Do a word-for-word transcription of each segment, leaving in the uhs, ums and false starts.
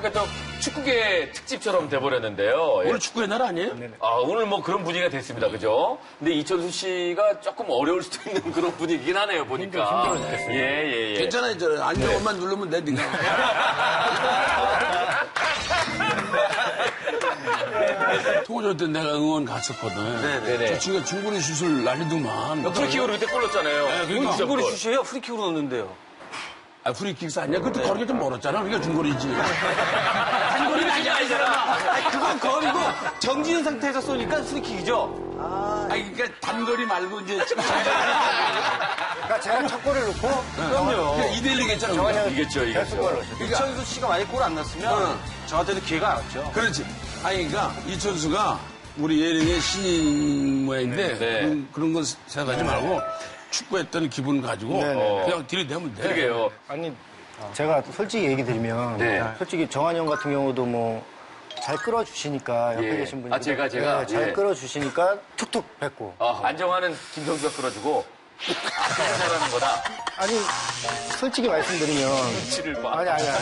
약간 좀 축구계 특집처럼 돼버렸는데요. 예. 오늘 축구의 날 아니에요? 아, 오늘 뭐 그런 분위기가 됐습니다. 그죠? 근데 이천수 씨가 조금 어려울 수도 있는 그런 분위기긴 하네요, 보니까. 힘들어 죽겠어요. 예, 예, 예. 괜찮아요, 저 안경만 누르면 돼, 니가. 토고조 때 내가 응원 갔었거든. 네네. 저 친구가 중거리 슛을 날리더만. 프리킥으로 그때 골 넣었잖아요. 네, 그러니까. 중거리 슛이에요? 프리킥으로 넣었는데요. 아, 프리킥스 아니야? 그때 거리가 좀 멀었잖아. 그러니까 중거리지. 단거리는 아니야, 이 사람. 아니, 그건 거리고 정지는 상태에서 쏘니까 프리킥이죠. 아, 그러니까 단거리 말고 이제. 그러니까 제가 첫 골을 넣고 그럼요. 이 대 일로 했잖아. 우리가. 이겼죠, 이겼죠. 이천수 씨가 만약에 골 안 넣었으면 저한테도 기회가 안 왔죠. 그렇지. 아니, 그러니까 이천수가 우리 예능의 신인 모양인데 네. 그런, 그런 건 생각하지 말고 축구했던 기분 가지고 네네. 그냥 들이대면 돼. 그러게요. 아니 제가 솔직히 얘기 드리면 네. 솔직히 정한 형 같은 경우도 뭐 잘 끌어주시니까 옆에 예. 계신 분이 아, 제가, 제가? 네, 잘 예. 끌어주시니까 툭툭 뱉고 아, 안정환은 김성수가 끌어주고, 아, 잘하는 거다. 아니 솔직히 말씀드리면 눈치를 봐. 아니 아니 아니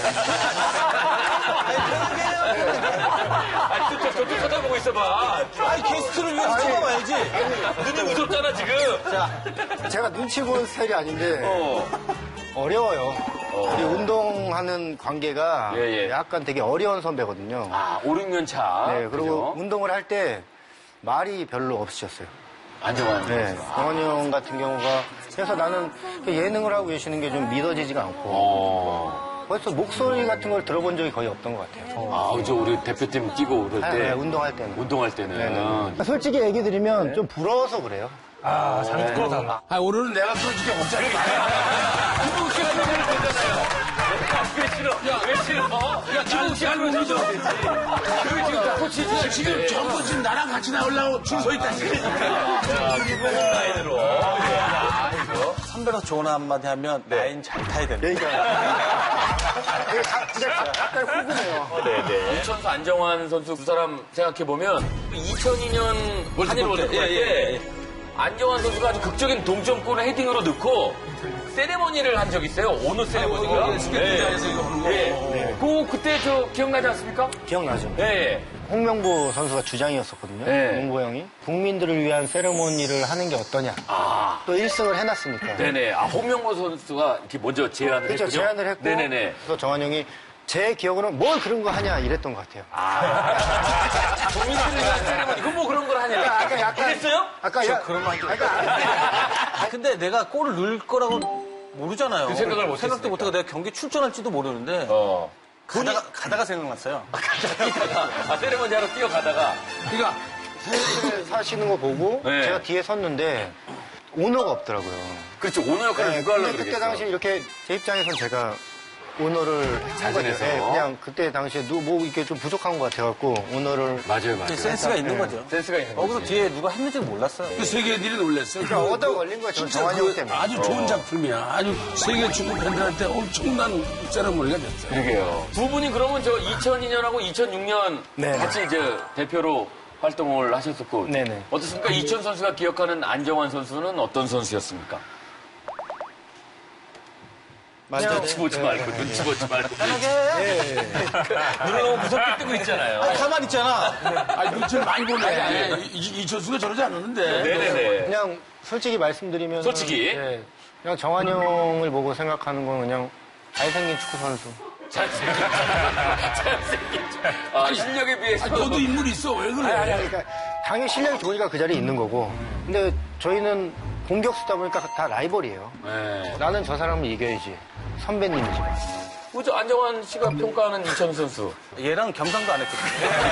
아, 저쪽, 저쪽 쳐다보고 있어봐. 아니, 게스트를 위해서 찍어봐야지. 눈이 무섭잖아, 지금. 자 제가 눈치 보는 스타일이 아닌데 어. 어려워요. 우리 운동하는 관계가 예, 예. 약간 되게 어려운 선배거든요. 아, 오, 육 년 차. 네 그리고 그죠? 운동을 할 때 말이 별로 없으셨어요. 안정환. 네, 정원이 형 같은 경우가 그래서 나는 예능을 하고 계시는 게 좀 믿어지지가 않고 어. 벌써 목소리 같은 걸 들어본 적이 거의 없던 것 같아요. 아, 저 우리 대표팀 뛰고 그럴 때. 네, 운동할 때는. 운동할 때는. 솔직히 얘기 드리면 좀 부러워서 그래요. 아, 오늘은 내가 끌어줄게 걱정하지 마. 김국 씨가 얘기를 되잖아요. 왜 싫어? 야, 왜 싫어? 야, 김국 씨가 그러죠 그게 지금 다 코치지. 지금 전부 지금 나랑 같이 나오려고 줄 서 있다. 자, 김국 라인으로. 선배로서 좋은 한마디 하면 라인 잘 타야 된다. 되게 가- 진짜 약간 후근해요. 네네. 이천수 안정환 선수 두 사람 생각해보면 이천이 년 한일 월드컵 예, 예, 때 안정환 선수가 아주 극적인 동점골을 헤딩으로 넣고 세레머니를 한 적이 있어요. 오너 세레머니가. 예, 스케이트장에서 이거 하는 거. 예. 그 그때 저 기억나지 않습니까? 기억나죠? 예. 홍명보 선수가 주장이었었거든요. 네. 홍보 형이. 국민들을 위한 세레모니를 하는 게 어떠냐. 아. 또 일 승을 해놨으니까. 네네. 아, 홍명보 선수가 이렇게 먼저 제안을 그렇죠. 했군요. 제안을 했고. 네네네. 그래서 정한 형이 제 기억으로는 뭘 그런 거 하냐 이랬던 것 같아요. 국민들을 위한 세레머니. 그럼 뭐 그런 걸 하냐. 아까 약간- 그랬어요? 아까 야, 그런 말 아까 아, 근데 내가 골을 넣을 거라고 모르잖아요. 그 생각을 못 생각도 했으니까. 못하고 내가 경기 출전할지도 모르는데 어. 가다가, 가다가 생각났어요. 아, 세레머니 하러 뛰어가다가. 그러니까 사시는 거 보고 네. 제가 뒤에 섰는데 오너가 없더라고요. 그렇죠. 오너 역할을 네, 누가 하려고 근데 그때 그러겠어. 당시 이렇게 제 입장에선 제가 오너를 한 거죠. 자진해서. 네, 그냥 그때 당시에 누, 뭐 이렇게 좀 부족한 것 같아갖고 오너를 맞아요, 맞아요. 센스가 있는 거죠. 센스가 있는 거기서 거지. 뒤에 누가 했는지 몰랐어요. 그 세계인들이 놀랐어요. 그러니까 얻어 걸린 거예요. 저 진짜 정한이 그 형 때문에. 아주 좋은 작품이야. 아주 세계 축구 팬들한테 엄청난 세레모니가 됐어요. 그러게요. 두 분이 그러면 저 이천이 년하고 이천육 년 네. 같이 이제 대표로 활동을 하셨었고. 네네. 어떻습니까? 이천 선수가 기억하는 안정환 선수는 어떤 선수였습니까? 맞아요. 눈치 보지 말고, 눈치 보지 말고. 편하게. 눈을 너무 무섭게 뜨고 있잖아요. 가만히 있잖아. 아니, 눈치를 많이 보네. 이- 이- 이천수가 저러지 않았는데. 네네네. 그냥 솔직히 말씀드리면 솔직히? 그냥 정한 형을 보고 생각하는 건 그냥 잘생긴 축구 선수. 잘생긴. 잘생긴. 아, 실력에 비해서. 아니, 너도 인물이 있어. 왜 그래? 아니, 아니, 그러니까 당연히 실력이 좋으니까 그 자리에 있는 거고. 근데 저희는 공격수다 보니까 다 라이벌이에요. 네. 나는 저 사람을 이겨야지. 선배님이지. 그죠? 안정환 씨가 평가하는 이천 선수. 얘랑 겸상도 안 했거든요.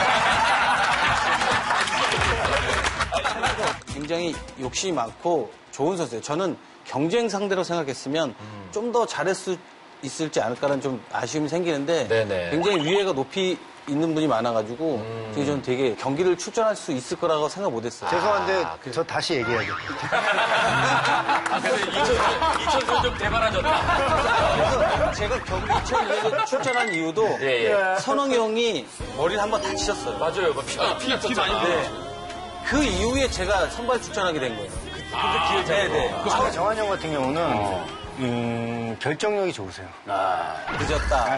굉장히 욕심이 많고 좋은 선수예요. 저는 경쟁 상대로 생각했으면 좀 더 잘할 수 있을지 않을까라는 좀 아쉬움이 생기는데 네네. 굉장히 위에가 높이 있는 분이 많아가지고 되게 저는 되게 경기를 출전할 수 있을 거라고 생각 못했어요. 죄송한데 아, 저 다시 얘기해야죠. 아, 근데 이천 선수 좀 대단하졌다. 제가 경기 이천이 년에 출전한 이유도 예, 예. 선홍이 형이 머리를 한번 다치셨어요. 맞아요. 피, 피, 피 많이 네. 그 이후에 제가 선발 출전하게 된 거예요. 근데 기회 네네. 아, 정한 형 같은 경우는 음, 결정력이 좋으세요. 늦었다.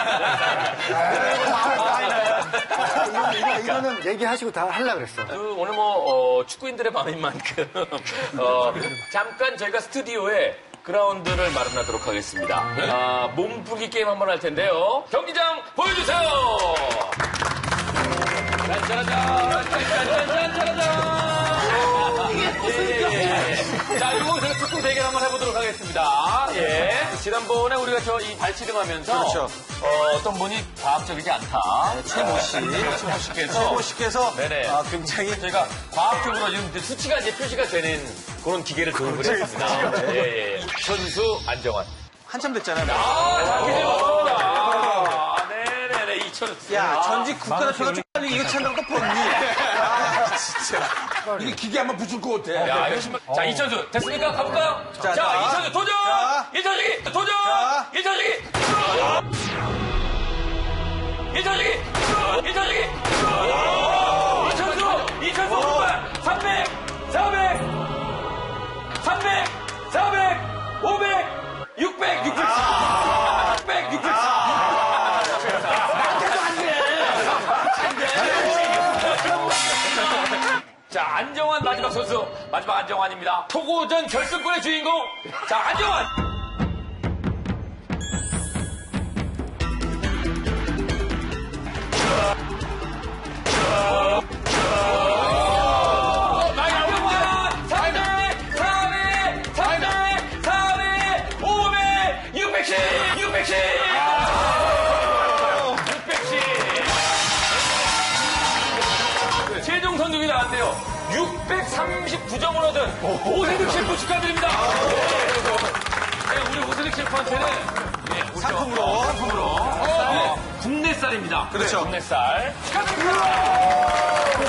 이거는, 이거, 이거는 얘기하시고 다 하려고 그랬어. 그 오늘 뭐 어, 축구인들의 밤인 만큼 어, 잠깐 저희가 스튜디오에 그라운드를 마련하도록 하겠습니다. 아, 몸풀기 게임 한번 할 텐데요. 경기장 보여주세요. 짠짜라짠, 짠짠짠짠짠짠. 예. 자, 이거 제가 축구 대결 한번 해보도록 하겠습니다. 예. 지난번에 우리가 저 이 발치등 하면서. 그렇죠. 어, 어떤 분이 과학적이지 않다. 최모 씨. 최모 씨께서. 최모 씨께서 네네. 아, 굉장히 저희가 과학적으로 지금 이제 수치가 이제 표시가 되는 그런 기계를 도입을 했습니다. 예, 예. 선수 안정환. 한참 됐잖아요. 아, 기대 맞습니다. 아, 네네네. 이천수. 야, 전직 국가대표가 쪽팔리기 이거 찬다고 또 뻗니? 아, 진짜. 이게 기계 한번 붙일 것 같아. 야, 이거 신발. 자, 이천수. 됐습니까? 가볼까요? 자, 자, 이천수 도전! 자. 일천수기 도전! 자. 일천수기! 일천수기! 일천수기! 이천수! 이천수 오른발! 삼백! 사백! 삼백! 사백! 오백! 육백! 육백! 육백! 육백! 자, 안정환 마지막 선수. 마지막 안정환입니다. 토고전 결승권의 주인공. 자, 안정환! 안정환! 삼백! 사백! 삼백! 사백! 오백! 육백씩! 육백씩! 육백씩! 최종 성적이 나왔대요. 육백삼십구 점을 얻은 오세득 셰프 축하드립니다. 네, 우리 오세득 셰프한테는 네, 우리 상품으로. 상품으로 어, 국내쌀입니다. 그렇죠. 국내쌀 축하드립니다.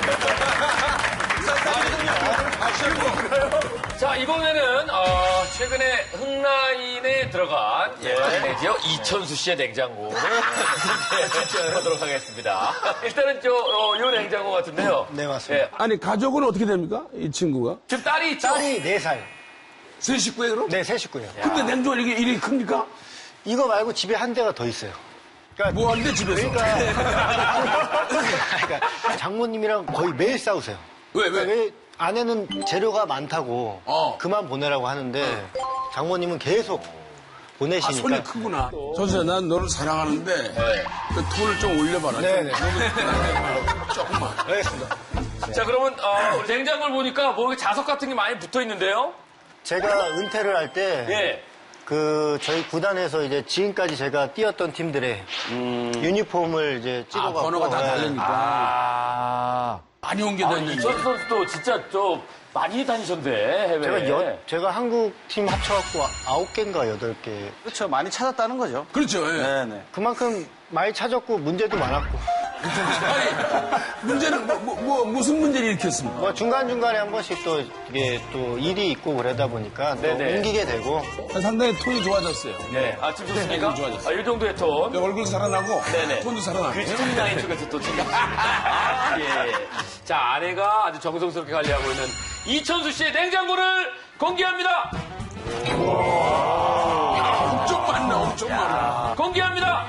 자, 이번에는 어, 최근에 흥라인에 들어간 예, 내지요 이천수 씨의 냉장고를 하도록 하겠습니다. 일단은 저, 어, 요 냉장고 같은데요. 네, 맞습니다. 예, 아니, 가족은 어떻게 됩니까? 이 친구가? 지금 딸이 있죠? 딸이 네 살. 세 식구에 그럼? 네, 세 식구예요. 근데 냉장고 이게 일이 큽니까? 이거 말고 집에 한 대가 더 있어요. 그러니까, 뭐 하는데 집에서? 그러니까, 그러니까 장모님이랑 거의 매일 싸우세요. 왜, 왜? 그러니까 아내는 재료가 많다고 어. 그만 보내라고 하는데 장모님은 계속 아, 보내시니까. 손이 크구나. 선수야, 난 너를 사랑하는데 그 톤을 좀 올려봐라. 네네. 조금만. 알겠습니다. 자, 그러면 어, 우리 냉장고를 보니까 뭐 이렇게 자석 같은 게 많이 붙어 있는데요. 제가 은퇴를 할 때 예. 그 저희 구단에서 이제 지금까지 제가 뛰었던 팀들의 유니폼을 이제 아, 찍어갖고 번호가 다 네. 다르니까. 아, 많이 아 옮겨다니는데. 이천수 선수도 진짜 좀 많이 다니셨네 해외. 제가 여, 제가 한국 팀 합쳐갖고 아홉 개인가 여덟 개. 그렇죠. 많이 찾았다는 거죠. 그렇죠. 예. 네네. 그만큼 많이 찾았고 문제도 많았고. 아니, 문제는 뭐, 뭐, 뭐, 무슨 문제를 일으켰습니까? 뭐 중간중간에 한 번씩 또 이게 또 일이 있고 그러다 보니까 또 네네. 옮기게 되고. 상당히 톤이 좋아졌어요. 네. 아, 지금 좋습니까? 네, 좋아졌어요. 아, 이 정도의 톤. 얼굴 살아나고 네네. 톤도 살아나고. 그 스토리라인 쪽에서 또 지금. 아, 예. 자, 아내가 아주 정성스럽게 관리하고 있는 이천수 씨의 냉장고를 공개합니다. 엄청 많나, 엄청 많아. 공개합니다.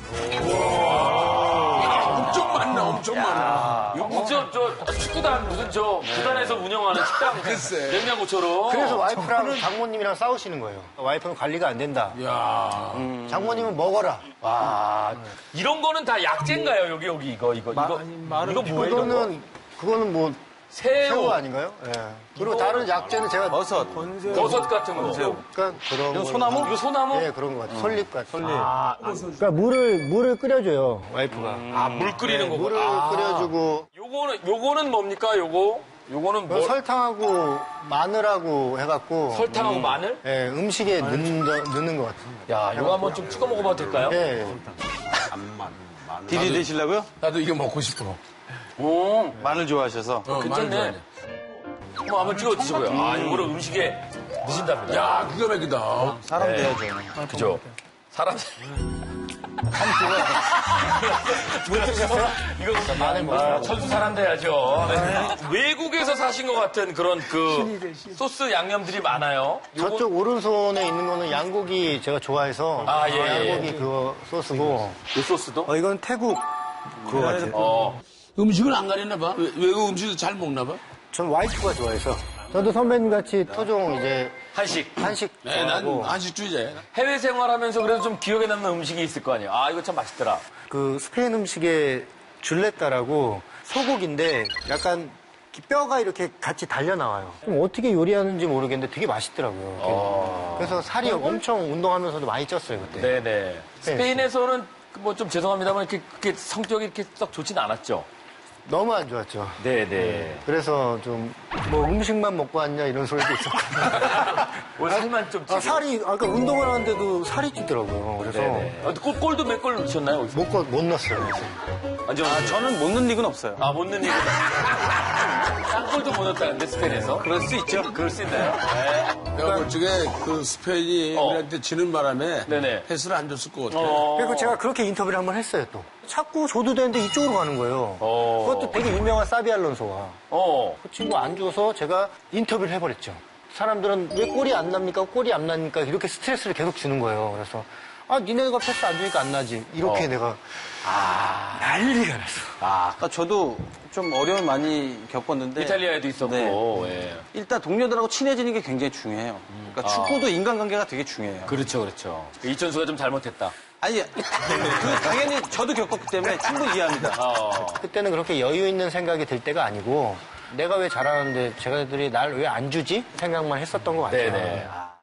엄청 많나, 엄청 많아. 이거 저, 저, 축구단, 무슨 저, 구단에서 운영하는 식당. 글쎄. 냉장고처럼. 그래서 와이프랑 장모님이랑 싸우시는 거예요. 와이프는 관리가 안 된다. 야 장모님은 먹어라. 와, 이런 거는 다 약재인가요? 여기, 여기, 이거, 이거, 이거. 이거 뭐예요? 이런 거? 그거는 그거는 뭐 새우, 새우 아닌가요? 예. 그리고 다른 약재는 제가 버섯. 버섯 같은 거. 그러니까 그런 이거 거. 소나무? 이거 소나무? 네, 그런 것 같아요. 솔잎 같은. 솔잎. 그러니까 물을 물을 끓여줘요, 와이프가. 아, 물 끓이는 거고. 물을 아. 끓여주고 요거는, 요거는 뭡니까, 요거? 요거는 뭐? 설탕하고 마늘하고 해갖고 설탕하고 마늘? 예, 음식에 넣는, 넣는 것 같아요. 야, 요거 한번 좀 찍어 먹어봐도 될까요? 예. 디디 드시려고요? 나도 이거 먹고 싶어. 오, 마늘 좋아하셔서. 어, 괜찮네. 마늘 좋아해. 한번 한번 찍어 드시고요. 아, 요거를 음식에 넣으신답니다. 야, 기가 막히다. 사람 네. 돼야죠. 그죠? 사람. 못 드셨어요? 이거 마늘 못 아, 천수 사람 돼야죠. 네. 외국에서 사신 것 같은 그런 그 소스 양념들이 많아요. 저쪽 오른손에 있는 거는 양고기 제가 좋아해서 아, 예, 예. 양고기 그거 소스고 이 소스도? 어, 이건 태국 그거 같아요. 어. 음식을 안 가렸나 봐. 외- 외국 음식도 잘 먹나 봐. 전 와이프가 좋아해서 저도 선배님 같이 토종 이제 한식. 한식 네, 난 좋아하고 한식주의자야. 해외 생활하면서 그래도 좀 기억에 남는 음식이 있을 거 아니에요. 아, 이거 참 맛있더라. 그 스페인 음식에 줄레타라고 소고기인데 약간 뼈가 이렇게 같이 달려 나와요. 그럼 어떻게 요리하는지 모르겠는데 되게 맛있더라고요. 어. 그래서 살이 엄청 운동하면서도 많이 쪘어요 그때. 네네. 스페인에서는 뭐 좀 죄송합니다만 이렇게, 그렇게 성격이 이렇게 썩 좋진 않았죠. 너무 안 좋았죠. 네네. 그래서 좀 뭐 음식만 먹고 왔냐 이런 소리도 있었고. 오, 살만 좀 찌고. 아, 살이 아까 운동을 하는데도 살이 찌더라고요. 그래서 네네. 어, 골, 골도 몇 골 넣으셨나요? 거기서? 못, 거- 못 넣었어요. 완전. 아, 저는 못 넣는 리그는 없어요. 아, 못 넣는 이거. 쌍골도 못 넣었다는데, 스페인에서? 그럴 수 있죠. 그럴 수 있나요? 네. 내가 볼 적에 그 스페인이 어. 우리한테 지는 바람에 네네. 패스를 안 줬을 것 같아. 어. 그리고 제가 그렇게 인터뷰를 한번 했어요, 또. 자꾸 줘도 되는데 이쪽으로 가는 거예요. 어. 그것도 되게 유명한 사비 알론소가. 어. 그 친구 안 줘서 제가 인터뷰를 해버렸죠. 사람들은 왜 골이 안 납니까? 골이 안 나니까 이렇게 스트레스를 계속 주는 거예요. 그래서 아, 니네가 패스 안 주니까 안 나지. 이렇게 어. 내가 아, 난리가 났어. 아, 그러니까 저도 좀 어려움을 많이 겪었는데 이탈리아에도 있었고. 네. 예. 일단 동료들하고 친해지는 게 굉장히 중요해요. 그러니까 아. 축구도 인간관계가 되게 중요해요. 그렇죠, 그렇죠. 이천수가 좀 잘못했다. 아니, 그 당연히 저도 겪었기 때문에 충분히 이해합니다. 어. 그때는 그렇게 여유 있는 생각이 들 때가 아니고 내가 왜 잘하는데 쟤네들이 날 왜 안 주지? 생각만 했었던 것 같아요. 네네. 아.